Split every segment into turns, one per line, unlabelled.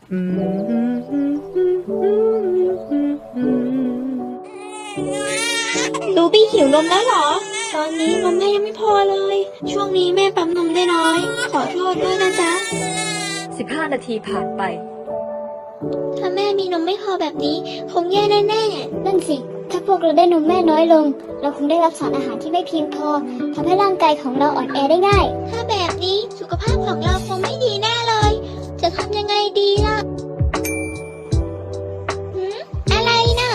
อืม
ลูบี้หิวนมแล้วเหรอ ตอนนี้นมแม่ยังไม่พอเลย ช่วงนี้แม่ปั๊มนมได้น้อย ขอโทษด้วยนะจ๊ะ
15 นาทีผ่านไป
ถ้าแม่มีนมไม่พอแบบนี้ คงแย่แน่
นั่นสิ ถ้าพวกเราได้นมแม่น้อยลง เราคงได้รับสารอาหารที่ไม่เพียงพอทำให้ร่างกายของเราอ่อนแอได้ง่าย
ๆ ถ้าแบบนี้สุขภาพของเราคงไม่ดีแน่เลย จะทำยังไงดีล่ะหืมอะไรน่ะ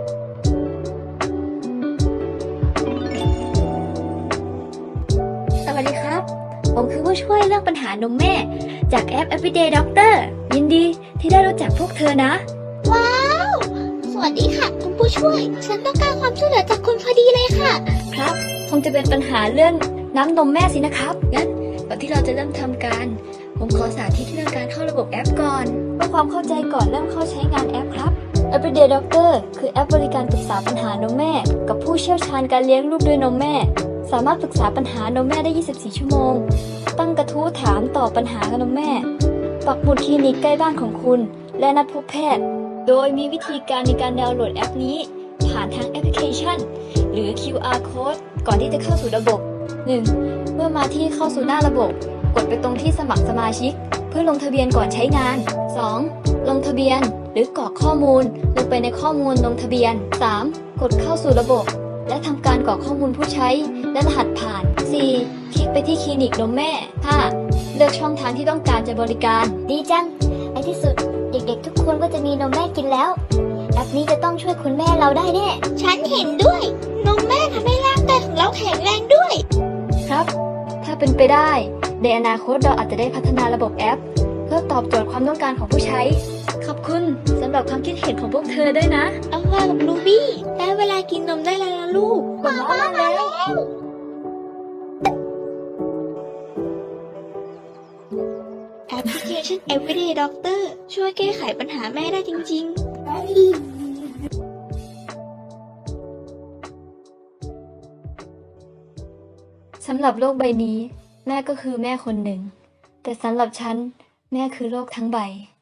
สวัสดีครับ ผมคือผู้ช่วยเรื่องปัญหานมแม่ จากแอป Everyday Doctor ยินดีที่ได้รู้จักพวกเธอนะ
ว้าว สวัสดีค่ะคุณผู้ช่วย ฉันต้องการความช่วยเหลือจากคุณพอดีเลยค่ะ
ครับ คงจะเป็นปัญหาเรื่องน้ำนมแม่สินะครับ งั้นก่อนที่เราจะเริ่มทำการ ผมขอสาธิตเรื่องการเข้าระบบแอปก่อนเพื่อความเข้าใจก่อนเริ่มเข้าใช้งานแอปครับ Everyday Doctor คือแอปบริการปรึกษาปัญหานมแม่ กับผู้เชี่ยวชาญการเลี้ยงลูกด้วยนมแม่ สามารถปรึกษาปัญหานมแม่ได้ 24 ชั่วโมง ตั้งกระทู้ถามตอบปัญหานมแม่ ปักหมุดคลินิกใกล้บ้านของคุณ และนัดพบแพทย์ โดยมีวิธีการในการดาวน์โหลดแอปนี้ ผ่านทางแอปพลิเคชัน หรือ QR Code ก่อนที่จะเข้าสู่ระบบ 1. เมื่อมาที่เข้าสู่หน้าระบบ กดไปตรงที่สมัครสมาชิก เพื่อลงทะเบียนก่อนใช้งาน 2. ลงทะเบียน หรือกรอกข้อมูลลงไปในข้อมูลลงทะเบียน 3. กดเข้าสู่ระบบ และทำการกรอกข้อมูลผู้ใช้ และรหัสผ่าน 4. คลิกไปที่คลินิกนมแม่ 5. เลือกช่องทางที่ต้องการจะบริการ ดีจังในที่สุดเด็กๆทุกคนก็จะมีนมแม่กินแล้ว แอปนี้จะต้องช่วยคุณแม่เราได้แน่
ฉันเห็นด้วย นมแม่ทำให้ร่างกายของเราแข็งแรงด้วย
ครับ ถ้าเป็นไปได้ ในอนาคตเราอาจจะได้พัฒนาระบบแอป เพื่อตอบโจทย์ความต้องการของผู้ใช้ ขอบคุณสำหรับความคิดเห็นของพวกเธอด้วยนะ
เอาว่ากับลูบี้ได้เวลากินนมได้แล้วนะลูก
มาแล้ว
แอปพลิเคชัน Everyday Doctor ช่วยแก้ไขปัญหาแม่ได้จริงๆ
สำหรับโลกใบนี้ แม่ก็คือแม่คนหนึ่ง แต่สำหรับฉัน แม่คือโลกทั้งใบ